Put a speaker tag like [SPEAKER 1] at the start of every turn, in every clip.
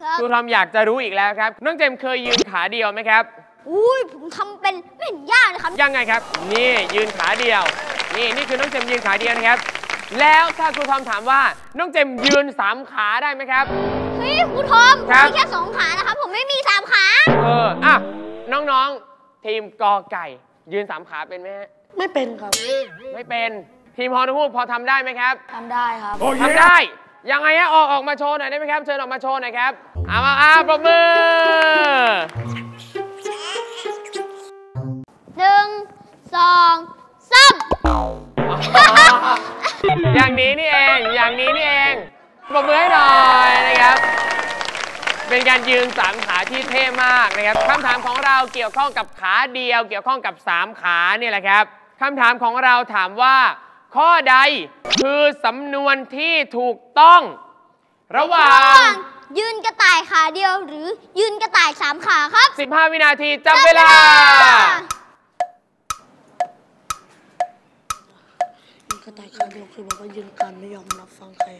[SPEAKER 1] ครูทอมอยากจะรู้อีกแล้วครับน้องเจมเคยยืนขาเดียวไหมครับ
[SPEAKER 2] อุ้ยผมทำเป็นไม่เห็นยากเลยครับ
[SPEAKER 1] ยังไงครับนี่ยืนขาเดียวนี่คือน้องเจมยืนขาเดียวนะครับแล้วถ้าครูทอมถามว่าน้องเจมยืน3 ขาได้ไหมครับ
[SPEAKER 2] เฮ้ยครูทอมผมมีแค่2 ขานะครับผมไม่มี3 ขา
[SPEAKER 1] อ่ะน้องๆทีมกอไก่ยืน3 ขาเป็นไหมฮะ
[SPEAKER 3] ไม่เป็นครับ
[SPEAKER 1] ไม่เป็นทีมฮอนูพอทำได้ไหมครับ
[SPEAKER 2] ทำได้ครับ
[SPEAKER 1] ทำได้ยังไงฮะออกมาโชว์หน่อยได้ไหมครับเชิญออกมาโชว์หน่อยครับมาปรบมือ
[SPEAKER 2] 1 2 3
[SPEAKER 1] อย่างนี้นี่เองปรบมือให้หน่อยนะครับเป็นการยืน3 ขาที่เท่มากนะครับคำถามของเราเกี่ยวข้องกับขาเดียวเกี่ยวข้องกับ3 ขาเนี่ยแหละครับคำถามของเราถามว่าข้อใดคือสำนวนที่ถูกต้องระหว่าง
[SPEAKER 2] ยืนกระต่ายขาเดียวหรือยืนกระต่าย3 ขาครับ
[SPEAKER 1] 15 วินาทีจับเวลา
[SPEAKER 3] ยืนกระต่ายขาเดียวคือแบบว่ายืนการไม่ยอมรับฟังใคร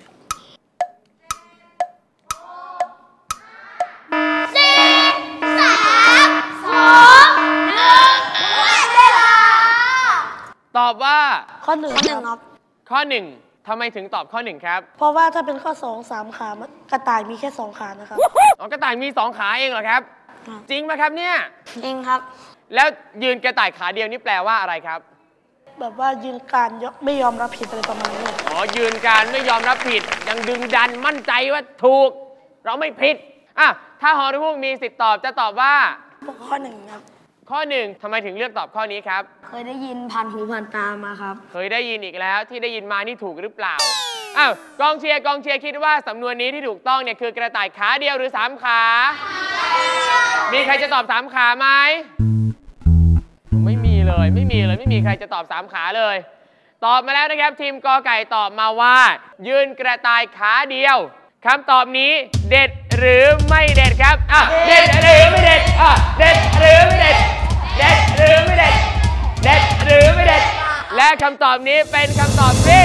[SPEAKER 1] ตอบว่า
[SPEAKER 3] ข้อ 1ครับ
[SPEAKER 1] ข้อ 1ทำไมถึงตอบข้อ 1ครับ
[SPEAKER 3] เพราะว่าถ้าเป็นข้อ 2 3 ขากระต่ายมีแค่2 ขานะครับ
[SPEAKER 1] กระต่ายมี2 ขาเองเหรอครับจริงไหมครับเนี่ย
[SPEAKER 2] จริงครับ
[SPEAKER 1] แล้วยืนกระต่ายขาเดียวนี่แปลว่าอะไรครับ
[SPEAKER 3] แบบว่ายืนการไม่ยอมรับผิดอะไรประมาณนี้
[SPEAKER 1] ยืนการไม่ยอมรับผิดยังดึงดันมั่นใจว่าถูกเราไม่ผิดถ้าฮอนูมีสิทธิ์ตอบจะตอบว่า
[SPEAKER 3] ข้อ 1ครับ
[SPEAKER 1] ข้อ 1ทำไมถึงเลือกตอบข้อนี้ครับ
[SPEAKER 2] เคยได้ยินผ่านหูผ่านตามาครับ
[SPEAKER 1] เคยได้ยินอีกแล้วที่ได้ยินมานี่ถูกหรือเปล่ากองเชียร์คิดว่าสำนวนนี้ที่ถูกต้องเนี่ยคือกระต่ายขาเดียวหรือ3 ขามีใครจะตอบ3 ขาไหมไม่มีไม่มีใครจะตอบ3 ขาเลยตอบมาแล้วนะครับทีมกอไก่ตอบมาว่ายืนกระต่ายขาเดียวคำตอบนี้เด็ดหรือไม่เด็ดครับเด็ดหรือไม่เด็ดเด็ดหรือไม่เด็ดเด็ดหรือไม่เด็ดเด็ดหรือไม่เด็ดและคำตอบนี้เป็นคำตอบที่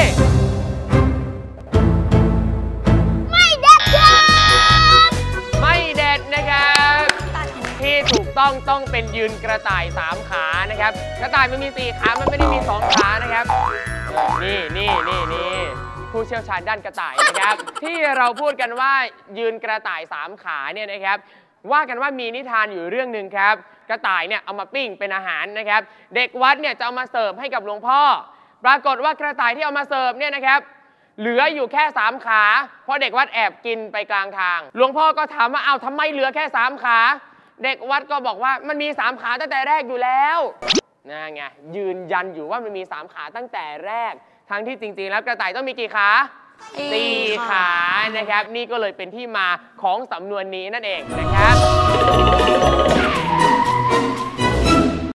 [SPEAKER 2] ไม่เด็ดครับ
[SPEAKER 1] ไม่เด็ดนะครับที่ถูกต้องเป็นยืนกระต่าย3 ขานะครับกระต่ายมันมี4 ขามันไม่ได้มี2 ขานะครับนี่ผู้เชี่ยวชาญด้านกระต่ายนะครับที่เราพูดกันว่ายืนกระต่าย3 ขาเนี่ยนะครับว่ากันว่ามีนิทานอยู่เรื่องหนึ่งครับกระต่ายเนี่ยเอามาปิ้งเป็นอาหารนะครับเด็กวัดเนี่ยจะเอามาเสิร์ฟให้กับหลวงพ่อปรากฏว่ากระต่ายที่เอามาเสิร์ฟเนี่ยนะครับเหลืออยู่แค่3 ขาเพราะเด็กวัดแอบกินไปกลางทางหลวงพ่อก็ถามว่าทำไมเหลือแค่3 ขาเด็กวัดก็บอกว่ามันมี3 ขาตั้งแต่แรกอยู่แล้วนั่นไงยืนยันอยู่ว่ามันมี3 ขาตั้งแต่แรกทั้งที่จริงๆแล้วกระต่ายต้องมีกี่ขา4 ขานะครับนี่ก็เลยเป็นที่มาของสำนวนนี้นั่นเองนะครับ